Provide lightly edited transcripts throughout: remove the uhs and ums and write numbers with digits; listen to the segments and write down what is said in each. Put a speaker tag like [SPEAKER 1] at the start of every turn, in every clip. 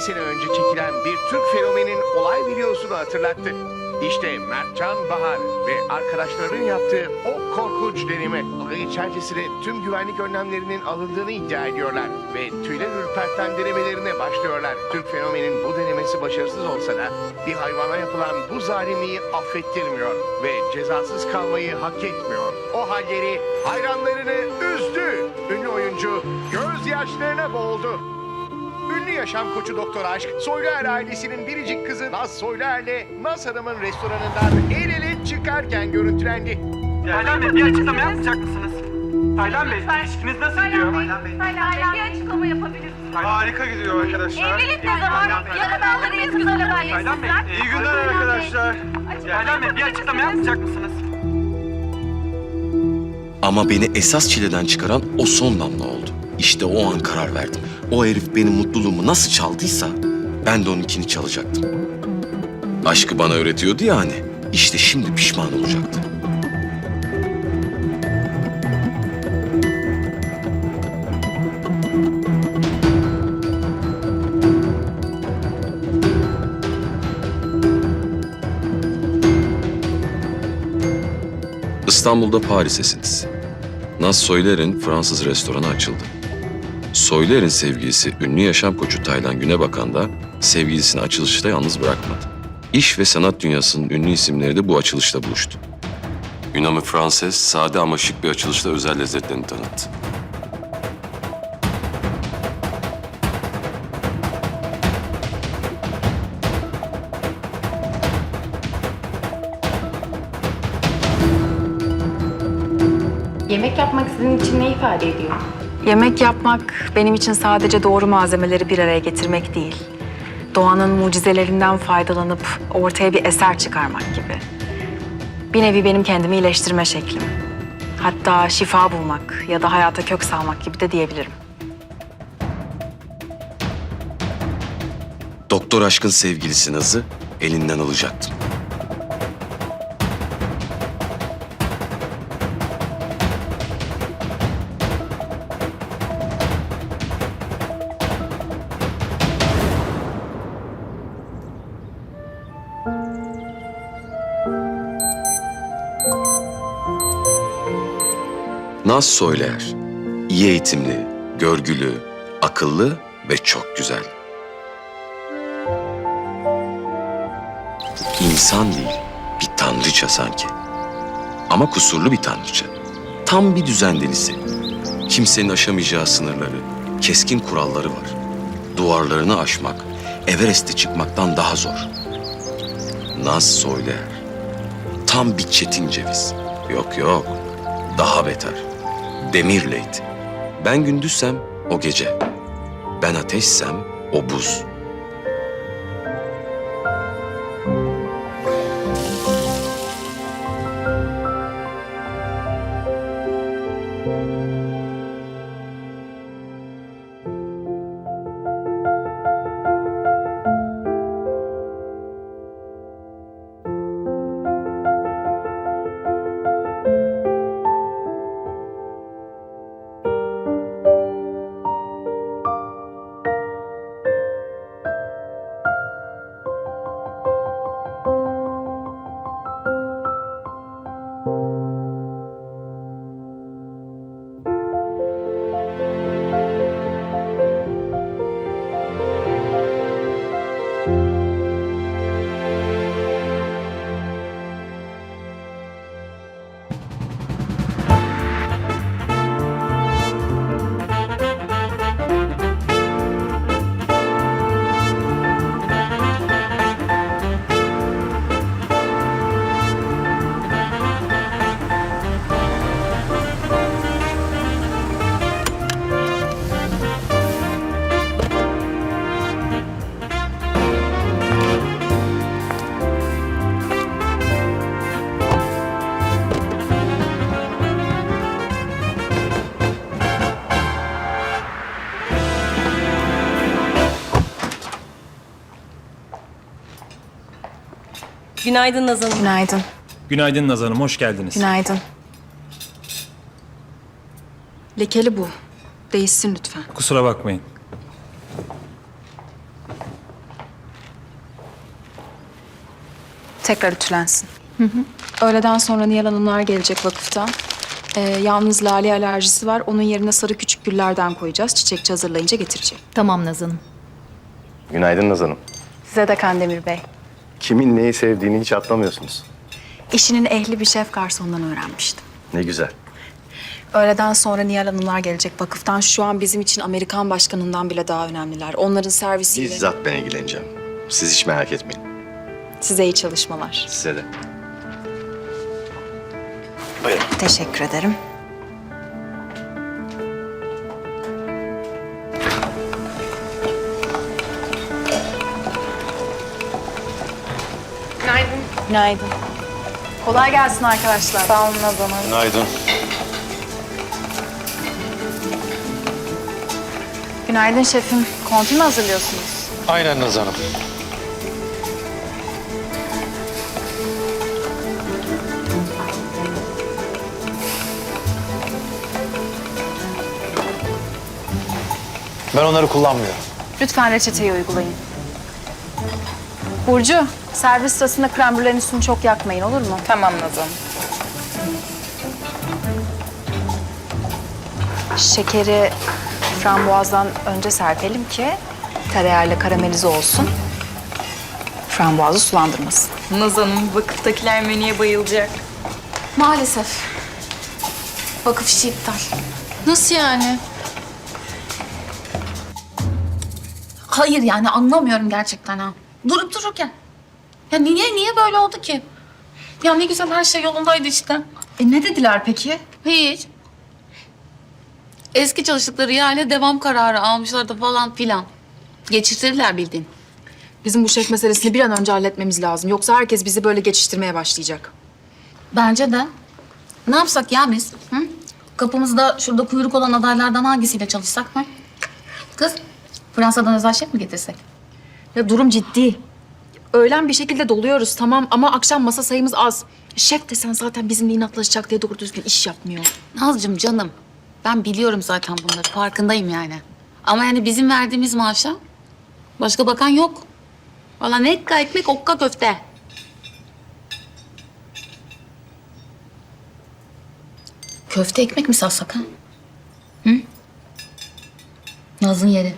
[SPEAKER 1] sene önce çekilen bir Türk fenomenin olay videosunu hatırlattı. İşte Mertcan Bahar ve arkadaşlarının yaptığı o korkunç deneme. Olay içerisinde tüm güvenlik önlemlerinin alındığını iddia ediyorlar ve tüyler ürperten denemelerine başlıyorlar. Türk fenomenin bu denemesi başarısız olsa da bir hayvana yapılan bu zalimliği affettirmiyor ve cezasız kalmayı hak etmiyor. O halleri hayranlarını üzdü. Ünlü oyuncu gözyaşlarına boğuldu. Ünlü yaşam koçu Doktor Aşk, Soyluer ailesinin biricik kızı Naz Soyluer'le Naz Hanım'ın restoranından el ele çıkarken görüntülendi.
[SPEAKER 2] Taylan Bey, bir açıklama yapmayacak mısınız? Taylan Bey, ilişkiniz nasıl gidiyor?
[SPEAKER 3] Taylan bir açıklama yapabilir misiniz?
[SPEAKER 2] Harika gidiyor arkadaşlar.
[SPEAKER 3] Evlilik ne zaman? Yarın alırız güzel
[SPEAKER 2] Taylan Bey,
[SPEAKER 3] haberleşsinler.
[SPEAKER 2] iyi günler arkadaşlar. Taylan Bey, bir açıklama yapmayacak mısınız?
[SPEAKER 4] Ama beni esas çileden çıkaran o son damla oldu. İşte o an karar verdim. O herif benim mutluluğumu nasıl çaldıysa ben de onunkini çalacaktım. Aşkı bana öğretiyordu ya hani. İşte şimdi pişman olacaktı. İstanbul'da Paris esintisi. Naz Soyler'in Fransız restoranı açıldı. Soyler'in sevgilisi ünlü yaşam koçu Taylan Günebakan da sevgilisini açılışta yalnız bırakmadı. İş ve sanat dünyasının ünlü isimleri de bu açılışta buluştu. Ünamı Franses, sade ama şık bir açılışla özel lezzetlerini tanıttı.
[SPEAKER 5] Yemek yapmak sizin için ne ifade ediyor?
[SPEAKER 6] Yemek yapmak benim için sadece doğru malzemeleri bir araya getirmek değil. Doğanın mucizelerinden faydalanıp ortaya bir eser çıkarmak gibi. Bir nevi benim kendimi iyileştirme şeklim. Hatta şifa bulmak ya da hayata kök salmak gibi de diyebilirim.
[SPEAKER 4] Doktor Aşk'ın sevgilisi Naz'ı elinden alacaktım. Naz Soyler, iyi eğitimli, görgülü, akıllı ve çok güzel. İnsan değil, bir tanrıça sanki. Ama kusurlu bir tanrıça. Tam bir düzen delisi. Kimsenin aşamayacağı sınırları, keskin kuralları var. Duvarlarını aşmak, Everest'e çıkmaktan daha zor. Naz Soyler, tam bir çetin ceviz. Yok, daha beter. Demirleydi. Ben gündüzsem o gece. Ben ateşsem o buz.
[SPEAKER 7] Günaydın Nazan Hanım.
[SPEAKER 6] Günaydın.
[SPEAKER 8] Günaydın Naz Hanım, hoş geldiniz.
[SPEAKER 6] Günaydın. Lekeli bu. Değişsin lütfen.
[SPEAKER 8] Kusura bakmayın.
[SPEAKER 6] Tekrar ütülensin. Öğleden sonra Nihal Hanımlar gelecek vakıftan. Yalnız lale alerjisi var. Onun yerine sarı küçük güllerden koyacağız. Çiçekçi hazırlayınca getirecek.
[SPEAKER 7] Tamam Nazan'ım.
[SPEAKER 9] Günaydın Naz Hanım.
[SPEAKER 6] Size de Kandemir Bey.
[SPEAKER 9] Kimin neyi sevdiğini hiç atlamıyorsunuz.
[SPEAKER 6] İşinin ehli bir şef garsondan öğrenmiştim.
[SPEAKER 9] Ne güzel.
[SPEAKER 6] Öğleden sonra Nihal Hanımlar gelecek vakıftan. Şu an bizim için Amerikan başkanından bile daha önemliler. Onların servisiyle...
[SPEAKER 9] Bizzat ben ilgileneceğim. Siz hiç merak etmeyin.
[SPEAKER 6] Size iyi çalışmalar.
[SPEAKER 9] Size de.
[SPEAKER 6] Teşekkür ederim.
[SPEAKER 5] Günaydın.
[SPEAKER 6] Günaydın. Kolay gelsin arkadaşlar.
[SPEAKER 5] Sağ olun Nazan Hanım.
[SPEAKER 9] Günaydın.
[SPEAKER 6] Günaydın şefim. Konti mi hazırlıyorsunuz?
[SPEAKER 10] Aynen Naz Hanım. Ben onları kullanmıyorum.
[SPEAKER 6] Lütfen reçeteyi uygulayın. Burcu, servis sırasında krem üstünü çok yakmayın, olur mu?
[SPEAKER 5] Tamam Nazan.
[SPEAKER 6] Şekeri frambuazdan önce serpelim ki tereyağıyla karamelize olsun. Frambuazı sulandırmasın.
[SPEAKER 5] Nazan'ım vakıftakiler menüye bayılacak.
[SPEAKER 6] Maalesef. Vakıf işi iptal.
[SPEAKER 7] Nasıl yani? Hayır yani anlamıyorum gerçekten ha. Durup dururken. Ya niye böyle oldu ki? Ya ne güzel her şey yolundaydı işte.
[SPEAKER 6] Ne dediler peki?
[SPEAKER 7] Hiç. Eski çalıştıkları yerle devam kararı almışlardı falan filan. Geçirtirdiler bildiğin.
[SPEAKER 6] Bizim bu şef meselesini bir an önce halletmemiz lazım. Yoksa herkes bizi böyle geçiştirmeye başlayacak.
[SPEAKER 7] Bence de. Ne yapsak ya biz? Hı? Kapımızda şurada kuyruk olan adaylardan hangisiyle çalışsak? Hı? Kız, Fransa'dan özel şef mi getirsek?
[SPEAKER 6] Ya durum ciddi. Öğlen bir şekilde doluyoruz tamam ama akşam masa sayımız az. Şef desen zaten bizimle inatlaşacak diye doğru düzgün iş yapmıyor.
[SPEAKER 7] Nazcığım canım, ben biliyorum zaten bunları, farkındayım yani. Ama yani bizim verdiğimiz maaşa başka bakan yok. Valla ne ekka ekmek, okka köfte. Köfte ekmek mi satsak ha? Hı? Naz'ın yeri.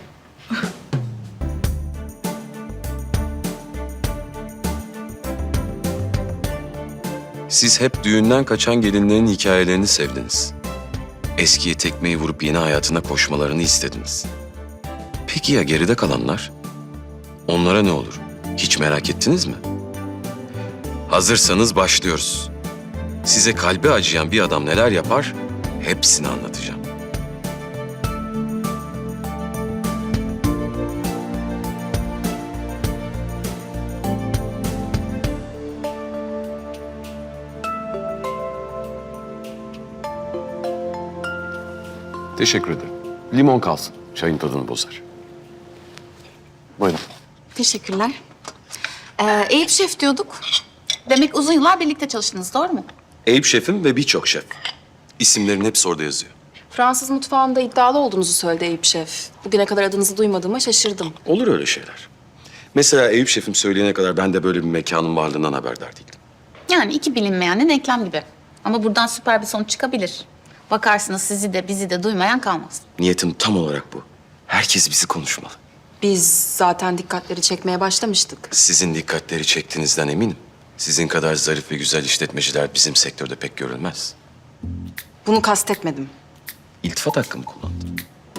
[SPEAKER 4] Siz hep düğünden kaçan gelinlerin hikayelerini sevdiniz. Eskiye tekmeyi vurup yeni hayatına koşmalarını istediniz. Peki ya geride kalanlar? Onlara ne olur? Hiç merak ettiniz mi? Hazırsanız başlıyoruz. Size kalbi acıyan bir adam neler yapar? Hepsini anlatacağım. Teşekkür ederim. Limon kalsın. Çayın tadını bozar. Buyurun.
[SPEAKER 7] Teşekkürler. Eyüp Şef diyorduk. Demek uzun yıllar birlikte çalıştınız, doğru mu?
[SPEAKER 4] Eyüp şefim ve birçok şef. İsimlerin hepsi orada yazıyor.
[SPEAKER 6] Fransız mutfağında iddialı olduğunuzu söyledi Eyüp Şef. Bugüne kadar adınızı duymadığıma şaşırdım.
[SPEAKER 4] Olur öyle şeyler. Mesela Eyüp şefim söyleyene kadar ben de böyle bir mekanın varlığından haberdar değildim.
[SPEAKER 7] Yani iki bilinmeyenin eklem gibi. Ama buradan süper bir sonuç çıkabilir. Bakarsınız sizi de bizi de duymayan kalmaz.
[SPEAKER 4] Niyetim tam olarak bu. Herkes bizi konuşmalı.
[SPEAKER 6] Biz zaten dikkatleri çekmeye başlamıştık.
[SPEAKER 4] Sizin dikkatleri çektiğinizden eminim. Sizin kadar zarif ve güzel işletmeciler bizim sektörde pek görülmez.
[SPEAKER 6] Bunu kastetmedim.
[SPEAKER 4] İltifat hakkımı kullandım.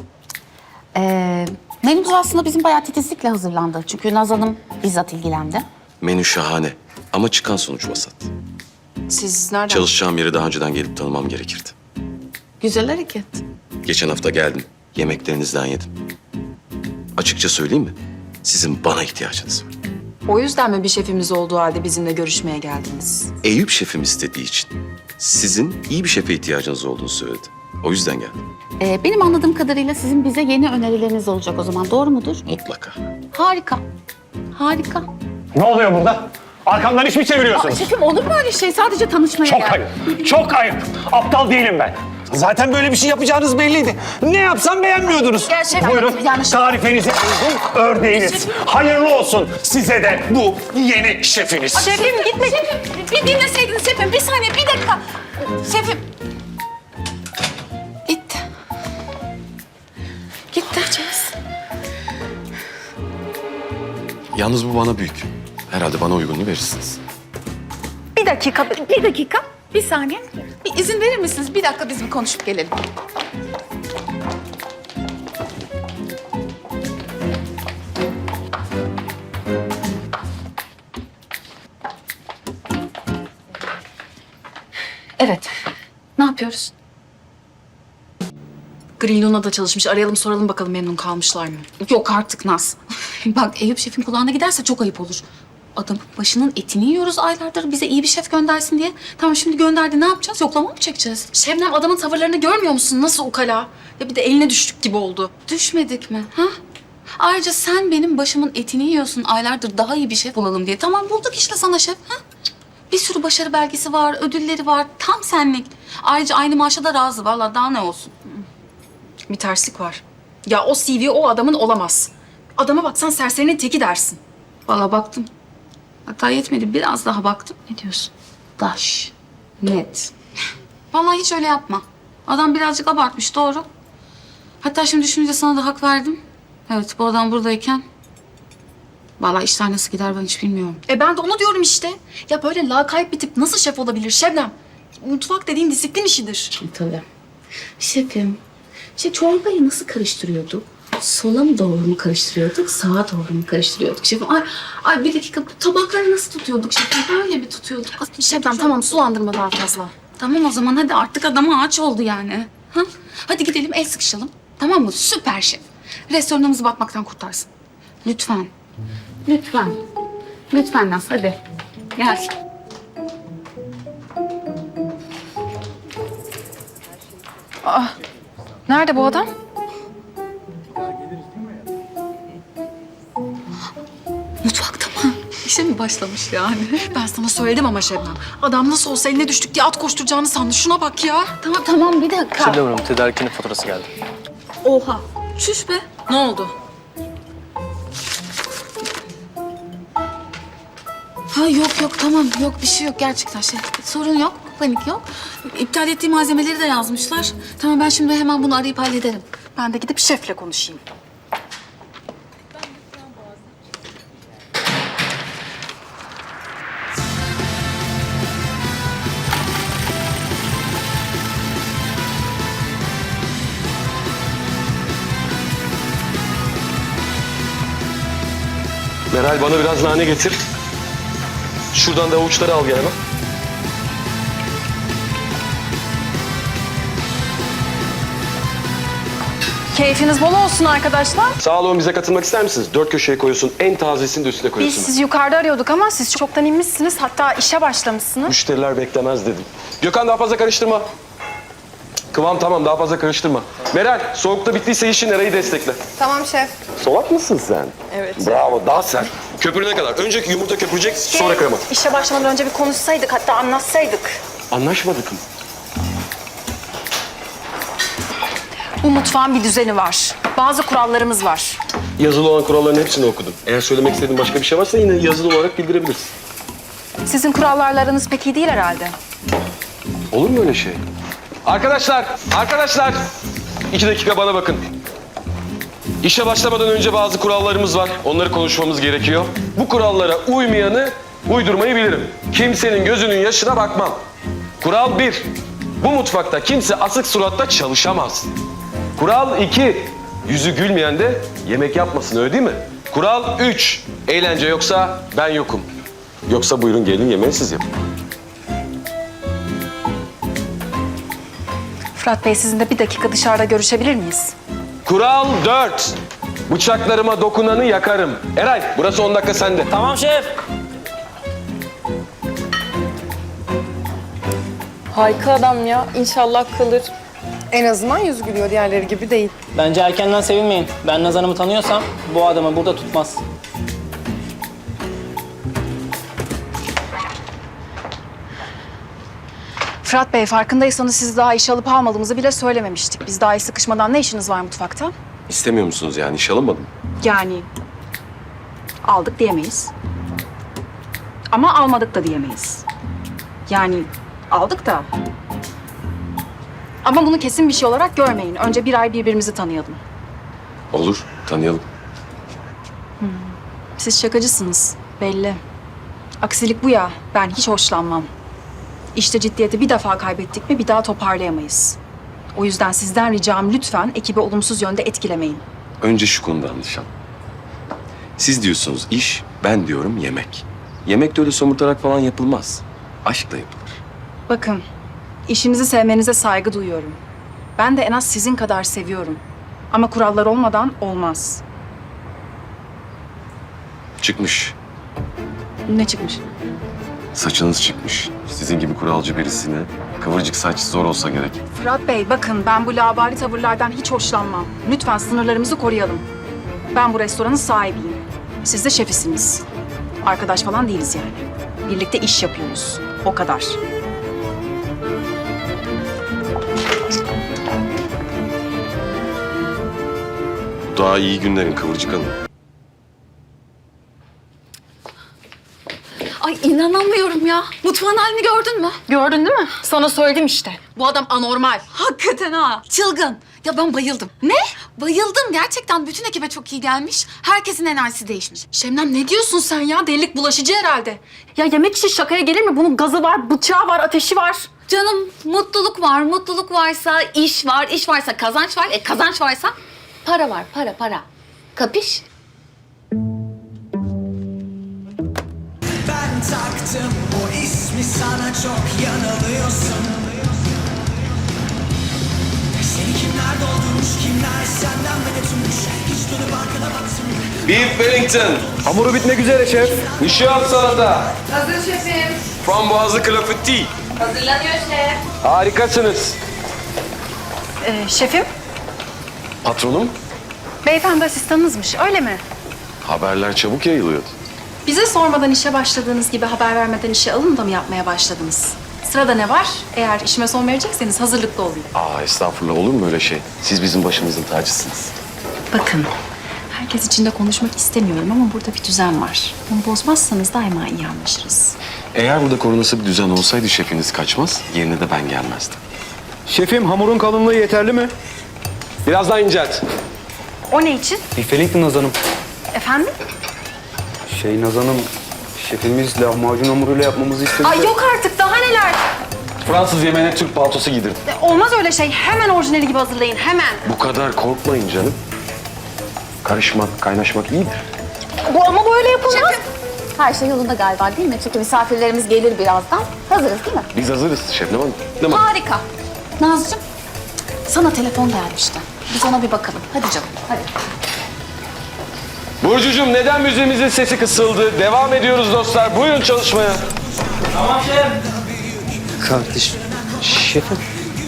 [SPEAKER 7] Menümüz aslında bizim bayağı titizlikle hazırlandı. Çünkü Naz Hanım bizzat ilgilendi.
[SPEAKER 4] Menü şahane ama çıkan sonuç vasat.
[SPEAKER 6] Siz nereden?
[SPEAKER 4] Çalışacağım yeri daha önceden gelip tanımam gerekirdi.
[SPEAKER 7] Güzel hareket.
[SPEAKER 4] Geçen hafta geldim, yemeklerinizden yedim. Açıkça söyleyeyim mi? Sizin bana ihtiyacınız var.
[SPEAKER 6] O yüzden mi bir şefimiz olduğu halde bizimle görüşmeye geldiniz?
[SPEAKER 4] Eyüp şefim istediği için sizin iyi bir şefe ihtiyacınız olduğunu söyledi. O yüzden geldim.
[SPEAKER 7] Benim anladığım kadarıyla sizin bize yeni önerileriniz olacak o zaman. Doğru mudur?
[SPEAKER 4] Mutlaka.
[SPEAKER 7] Harika. Harika.
[SPEAKER 10] Ne oluyor burada? Arkamdan iş mi çeviriyorsunuz?
[SPEAKER 7] Şefim olur mu öyle şey? Sadece tanışmaya
[SPEAKER 10] Çok
[SPEAKER 7] geldim.
[SPEAKER 10] ayıp. Çok ayıp. Aptal değilim ben. Zaten böyle bir şey yapacağınız belliydi. Ne yapsam beğenmiyordunuz.
[SPEAKER 6] Gerçekten
[SPEAKER 10] Buyurun,
[SPEAKER 6] yanlış.
[SPEAKER 10] tarifenize uygun ördeğiniz. Hayırlı olsun size de bu yeni şefiniz.
[SPEAKER 6] Şefim gitme. Bir dinleseydiniz şefim. Bir saniye, bir dakika. Şefim. Gitti. Gitti Ceviz.
[SPEAKER 4] Yalnız bu bana büyük. Herhalde bana uygununu verirsiniz.
[SPEAKER 6] Bir dakika. Bir saniye. Bir izin verir misiniz? Bir dakika biz bir konuşup gelelim. Evet. Ne yapıyoruz? Green Luna'da çalışmış. Arayalım soralım bakalım memnun kalmışlar mı?
[SPEAKER 7] Yok artık Naz. Bak Eyüp şefin kulağına giderse çok ayıp olur. Adamın başının etini yiyoruz aylardır bize iyi bir şef göndersin diye. Tamam şimdi gönderdi ne yapacağız? Yoklama mı çekeceğiz?
[SPEAKER 6] Şebnem adamın tavırlarını görmüyor musun? Nasıl ukala? Ya bir de eline düştük gibi oldu.
[SPEAKER 7] Düşmedik mi? Ha? Ayrıca sen benim başımın etini yiyorsun aylardır daha iyi bir şef bulalım diye. Tamam bulduk işte sana şef. Ha? Bir sürü başarı belgesi var, ödülleri var. Tam senlik. Ayrıca aynı maaşa da razı. Vallahi daha ne olsun.
[SPEAKER 6] Bir terslik var. Ya o CV o adamın olamaz. Adama baksan serserinin teki dersin.
[SPEAKER 7] Vallahi baktım. Hatta yetmedi. Biraz daha baktım. Ne diyorsun? Daş. Net. Vallahi hiç öyle yapma. Adam birazcık abartmış doğru. Hatta şimdi düşününce sana da hak verdim. Evet bu adam buradayken... Vallahi işler nasıl gider ben hiç bilmiyorum.
[SPEAKER 6] Ben de onu diyorum işte. Ya böyle lakayt bir tip nasıl şef olabilir Şebnem? Mutfak dediğin disiplin işidir.
[SPEAKER 7] Tabii. Şefim, çorbayı nasıl karıştırıyorduk? Sola mı doğru mu karıştırıyorduk, sağa doğru mu karıştırıyorduk şefim? Ay bir dakika, bu tabakları nasıl tutuyorduk şefim? Böyle mi tutuyorduk?
[SPEAKER 6] Şebnem tamam sulandırma daha fazla.
[SPEAKER 7] Tamam o zaman hadi artık adam ağaç oldu yani. Ha? Hadi gidelim el sıkışalım. Tamam mı? Süper şef. Restoranımızı batmaktan kurtarsın. Lütfen. Lütfen. Lütfen Naz hadi. Gel.
[SPEAKER 6] Nerede bu adam?
[SPEAKER 7] Mutfakta mı? İşe mi başlamış yani?
[SPEAKER 6] Ben sana söyledim ama Şebnem. Adam nasıl olsa eline düştük diye at koşturacağını sandı. Şuna bak ya.
[SPEAKER 7] Tamam bir dakika.
[SPEAKER 9] Şebnem Hanım, tedarikinin faturası geldi.
[SPEAKER 7] Oha. Çüş be.
[SPEAKER 6] Ne oldu?
[SPEAKER 7] Ha yok tamam yok bir şey yok gerçekten sorun yok panik yok. İptal ettiği malzemeleri de yazmışlar. Tamam ben şimdi hemen bunu arayıp hallederim.
[SPEAKER 6] Ben de gidip şefle konuşayım.
[SPEAKER 4] Meral bana biraz nane getir. Şuradan da avuçları al gel hemen.
[SPEAKER 6] Keyfiniz bol olsun arkadaşlar.
[SPEAKER 4] Sağ olun, bize katılmak ister misiniz? 4 köşeye koyuyorsun, en tazesini de üstüne
[SPEAKER 5] Biz
[SPEAKER 4] koyuyorsun.
[SPEAKER 5] sizi yukarıda arıyorduk ama siz çoktan inmişsiniz. Hatta işe başlamışsınız.
[SPEAKER 4] Müşteriler beklemez dedim. Gökhan daha fazla karıştırma. Kıvam tamam, daha fazla karıştırma. Meral, soğukta bittiyse işin Eray'ı destekle.
[SPEAKER 5] Tamam şef.
[SPEAKER 4] Solak mısın sen?
[SPEAKER 5] Evet.
[SPEAKER 4] Bravo, daha sert. Köpürene kadar. Önceki yumurta köpürecek, sonra krema.
[SPEAKER 5] İşe başlamadan önce bir konuşsaydık, hatta anlatsaydık.
[SPEAKER 4] Anlaşmadık mı?
[SPEAKER 5] Bu mutfağın bir düzeni var. Bazı kurallarımız var.
[SPEAKER 4] Yazılı olan kuralların hepsini okudum. Eğer söylemek istediğin başka bir şey varsa yine yazılı olarak bildirebilirsin.
[SPEAKER 5] Sizin kurallarla aranız pek iyi değil herhalde.
[SPEAKER 4] Olur mu öyle şey? Arkadaşlar! 2 dakika bana bakın. İşe başlamadan önce bazı kurallarımız var. Onları konuşmamız gerekiyor. Bu kurallara uymayanı uydurmayı bilirim. Kimsenin gözünün yaşına bakmam. Kural 1. Bu mutfakta kimse asık suratta çalışamaz. Kural 2. Yüzü gülmeyen de yemek yapmasın, öyle değil mi? Kural 3. Eğlence yoksa ben yokum. Yoksa buyurun gelin yemeği siz yapın.
[SPEAKER 5] Fırat Bey, sizinle bir dakika dışarıda görüşebilir miyiz?
[SPEAKER 4] Kural 4. Bıçaklarıma dokunanı yakarım. Eray, burası 10 dakika sende.
[SPEAKER 10] Tamam şef.
[SPEAKER 11] Harika adam ya. İnşallah kalır. En azından yüz gülüyor, diğerleri gibi değil.
[SPEAKER 2] Bence erkenden sevinmeyin. Ben Naz Hanım'ı tanıyorsam bu adamı burada tutmaz.
[SPEAKER 5] Fırat Bey, farkındaysanız siz daha işe alıp almadığımızı bile söylememiştik. Biz daha iyi sıkışmadan ne işiniz var mutfakta?
[SPEAKER 4] İstemiyor musunuz yani? İş alınmadı mı?
[SPEAKER 5] Yani aldık diyemeyiz. Ama almadık da diyemeyiz. Yani aldık da. Ama bunu kesin bir şey olarak görmeyin. Önce bir ay birbirimizi tanıyalım.
[SPEAKER 4] Olur, tanıyalım.
[SPEAKER 5] Siz şakacısınız, belli. Aksilik bu ya, ben hiç hoşlanmam. İşte ciddiyeti bir defa kaybettik mi bir daha toparlayamayız. O yüzden sizden ricam lütfen ekibi olumsuz yönde etkilemeyin.
[SPEAKER 4] Önce şu konuda anlaşalım. Siz diyorsunuz iş, ben diyorum yemek. Yemek de öyle somurtarak falan yapılmaz. Aşkla yapılır.
[SPEAKER 5] Bakın, işinizi sevmenize saygı duyuyorum. Ben de en az sizin kadar seviyorum. Ama kurallar olmadan olmaz.
[SPEAKER 4] Çıkmış.
[SPEAKER 5] Ne çıkmış?
[SPEAKER 4] Saçınız çıkmış. Sizin gibi kuralcı birisine kıvırcık saç zor olsa gerek.
[SPEAKER 5] Fırat Bey, bakın ben bu labali tavırlardan hiç hoşlanmam. Lütfen sınırlarımızı koruyalım. Ben bu restoranın sahibiyim. Siz de şefisiniz. Arkadaş falan değiliz yani. Birlikte iş yapıyoruz. O kadar.
[SPEAKER 4] Daha iyi günlerin Kıvırcık Hanım.
[SPEAKER 7] Ay inanamıyorum ya. Mutfağın halini gördün mü?
[SPEAKER 5] Gördün değil mi? Sana söyledim işte. Bu adam anormal.
[SPEAKER 7] Hakikaten ha. Çılgın. Ya ben bayıldım. Ne? Bayıldım. Gerçekten bütün ekibe çok iyi gelmiş. Herkesin enerjisi değişmiş.
[SPEAKER 5] Şebnem ne diyorsun sen ya? Delilik bulaşıcı herhalde. Ya yemek işi şakaya gelir mi? Bunun gazı var, bıçağı var, ateşi var.
[SPEAKER 7] Canım mutluluk var. Mutluluk varsa iş var. İş varsa kazanç var. Kazanç varsa para var. Para. Kapış?
[SPEAKER 12] Ben taktım o ismi sana çok yanılıyorsun. Seni kimler doldurmuş kimler senden medet ummuş. Hiç dönüp arkana baksın.
[SPEAKER 4] Beef Wellington.
[SPEAKER 9] Hamuru bitmek üzere şef.
[SPEAKER 4] Nişan salata.
[SPEAKER 3] Hazır şefim.
[SPEAKER 4] Frambuazlı klafiti.
[SPEAKER 3] Hazırlanıyor şef.
[SPEAKER 9] Harikasınız.
[SPEAKER 5] Şefim,
[SPEAKER 4] Patronum,
[SPEAKER 5] beyefendi asistanınızmış öyle mi?
[SPEAKER 4] haberler çabuk yayılıyordu.
[SPEAKER 5] Bize sormadan işe başladığınız gibi haber vermeden işe alın da mı yapmaya başladınız? Sırada ne var? Eğer işime son verecekseniz hazırlıklı olun.
[SPEAKER 4] Estağfurullah olur mu öyle şey? Siz bizim başımızın tacısınız.
[SPEAKER 5] Bakın, herkes için de konuşmak istemiyorum ama burada bir düzen var. Bunu bozmazsanız daima iyi anlaşırız.
[SPEAKER 4] Eğer burada korunası bir düzen olsaydı şefiniz kaçmaz, yerine de ben gelmezdim.
[SPEAKER 9] Şefim hamurun kalınlığı yeterli mi? Biraz daha incelt.
[SPEAKER 5] O ne için?
[SPEAKER 9] Bir Wellington Naz Hanım.
[SPEAKER 5] Efendim?
[SPEAKER 9] Naz Hanım, şefimiz lahmacun hamuruyla yapmamızı istedi.
[SPEAKER 5] Ay yok artık, daha neler?
[SPEAKER 4] Fransız yemeğine Türk paltosu giydirdim.
[SPEAKER 5] Olmaz öyle şey. Hemen orijinali gibi hazırlayın, hemen.
[SPEAKER 4] Bu kadar korkmayın canım. Karışmak, kaynaşmak iyidir.
[SPEAKER 5] Bu ama böyle yapılmaz.
[SPEAKER 7] Her şey yolunda galiba değil mi? Çünkü misafirlerimiz gelir birazdan. Hazırız değil mi?
[SPEAKER 4] Biz hazırız Şebnem Hanım. Değil mi?
[SPEAKER 7] Harika. Nazcığım, sana telefon gelmişti. Biz ona bir bakalım. Hadi canım, hadi.
[SPEAKER 9] Burcucuğum neden müziğimizin sesi kısıldı? Devam ediyoruz dostlar. Buyurun çalışmaya.
[SPEAKER 12] Kardeşim. Şefim.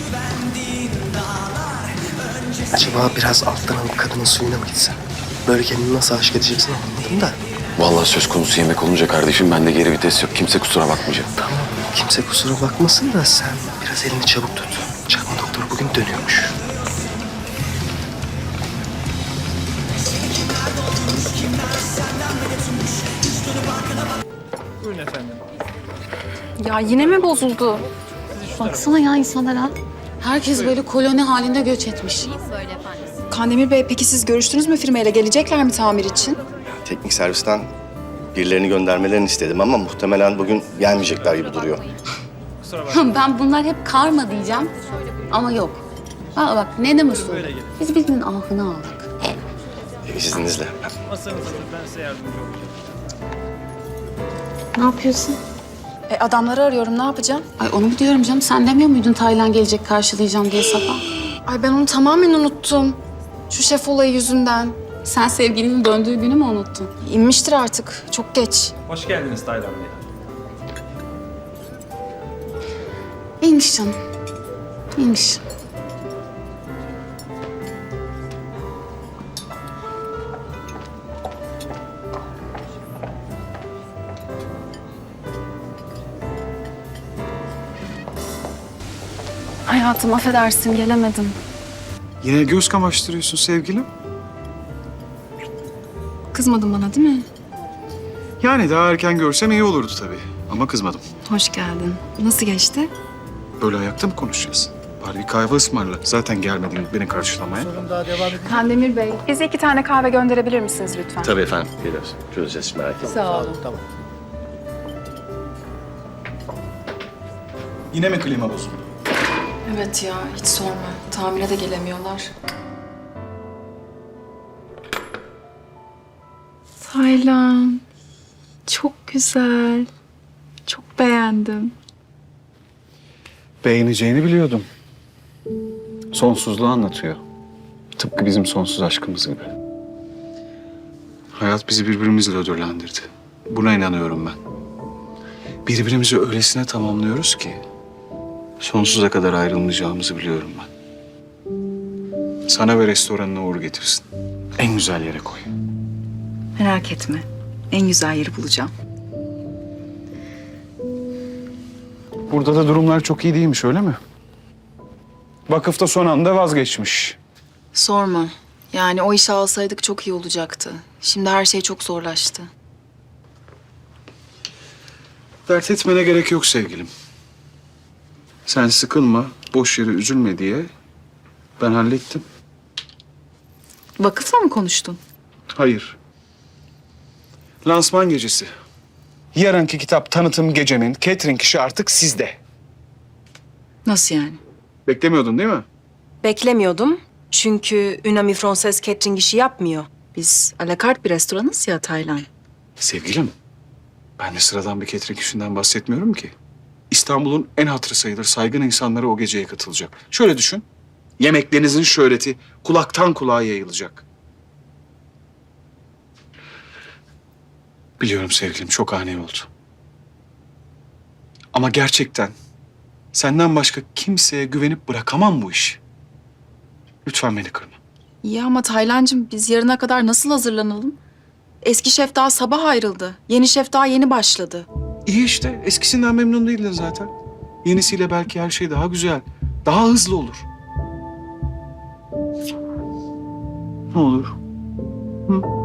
[SPEAKER 12] Acaba biraz alttan alıp kadının suyuna mı gitsen? Böyle kendini nasıl aşık edeceksin anlamadım da.
[SPEAKER 4] Vallahi söz konusu yemek olunca kardeşim bende geri vites yok. Kimse kusura bakmayacak.
[SPEAKER 12] Tamam kimse kusura bakmasın da sen biraz elini çabuk tut. Çakma doktor bugün dönüyormuş.
[SPEAKER 8] Buyurun efendim.
[SPEAKER 5] Ya yine mi bozuldu?
[SPEAKER 7] Baksana ya insanlara. Herkes böyle koloni halinde göç etmiş.
[SPEAKER 5] Kandemir Bey, peki siz görüştünüz mü firmayla? Gelecekler mi tamir için?
[SPEAKER 13] Teknik servisten birilerini göndermelerini istedim ama muhtemelen bugün gelmeyecekler gibi duruyor.
[SPEAKER 7] Ben bunlar hep karma diyeceğim ama yok. Bak ne usul. Biz birbirinin ahını aldık.
[SPEAKER 13] İzninizle.
[SPEAKER 8] Masanız hazır. Ben size yardımcı olacağım.
[SPEAKER 7] Ne yapıyorsun?
[SPEAKER 5] Adamları arıyorum, ne yapacağım?
[SPEAKER 7] Ay onu mu diyorum canım? Sen demiyor muydun Taylan gelecek karşılayacağım diye sabah?
[SPEAKER 5] Ay ben onu tamamen unuttum. Şu şef olayı yüzünden.
[SPEAKER 7] Sen sevgilinin döndüğü günü mü unuttun?
[SPEAKER 5] İnmiştir artık, çok geç.
[SPEAKER 8] Hoş geldiniz Taylan Bey.
[SPEAKER 7] İyiymiş canım. İyiymiş.
[SPEAKER 6] Hayatım affedersin gelemedim.
[SPEAKER 9] Yine göz kamaştırıyorsun sevgilim.
[SPEAKER 6] Kızmadın bana değil mi?
[SPEAKER 9] Yani daha erken görsem iyi olurdu tabii. Ama kızmadım.
[SPEAKER 6] Hoş geldin. Nasıl geçti?
[SPEAKER 9] Böyle ayakta mı konuşacağız? Bari bir kahve ısmarla. Zaten gelmedin beni karşılamaya.
[SPEAKER 5] Kandemir Bey, bize 2 tane kahve gönderebilir misiniz lütfen?
[SPEAKER 13] Tabii efendim. Geliyoruz. Çözeceğiz merak etmeyin.
[SPEAKER 11] Sağ olun.
[SPEAKER 9] Yine mi klima bozuldu?
[SPEAKER 6] Evet ya hiç sorma. Tamire de gelemiyorlar. Taylan. Çok güzel. Çok beğendim.
[SPEAKER 9] Beğeneceğini biliyordum. Sonsuzluğu anlatıyor. Tıpkı bizim sonsuz aşkımız gibi. Hayat bizi birbirimizle ödüllendirdi. Buna inanıyorum ben. Birbirimizi öylesine tamamlıyoruz ki sonsuza kadar ayrılmayacağımızı biliyorum ben. Sana ve restoranına uğur getirsin. En güzel yere koy.
[SPEAKER 5] Merak etme. En güzel yeri bulacağım.
[SPEAKER 9] Burada da durumlar çok iyi değilmiş öyle mi? Vakıf da son anda vazgeçmiş.
[SPEAKER 6] Sorma. Yani o işi alsaydık çok iyi olacaktı. Şimdi her şey çok zorlaştı.
[SPEAKER 9] Dert etmene gerek yok sevgilim. Sen sıkılma, boş yere üzülme diye ben hallettim.
[SPEAKER 5] Vakıfla mı konuştun?
[SPEAKER 9] Hayır. Lansman gecesi. Yarınki kitap tanıtım gecemin catering işi artık sizde.
[SPEAKER 5] Nasıl yani?
[SPEAKER 9] Beklemiyordun değil mi?
[SPEAKER 11] Beklemiyordum. Çünkü Unami Frances catering işi yapmıyor.
[SPEAKER 5] Biz alakart bir restoranız ya Taylan.
[SPEAKER 9] Sevgilim, ben de sıradan bir catering işinden bahsetmiyorum ki. İstanbul'un en hatırı sayılır saygın insanları o geceye katılacak. Şöyle düşün, yemeklerinizin şöhreti kulaktan kulağa yayılacak. Biliyorum sevgilim, çok ani oldu. Ama gerçekten senden başka kimseye güvenip bırakamam bu işi. Lütfen beni kırma.
[SPEAKER 5] İyi ama Taylancığım biz yarına kadar nasıl hazırlanalım? Eski şef daha sabah ayrıldı. Yeni şef daha yeni başladı.
[SPEAKER 9] İyi işte, eskisinden memnun değildin zaten. Yenisiyle belki her şey daha güzel, daha hızlı olur. Ne olur? Hı?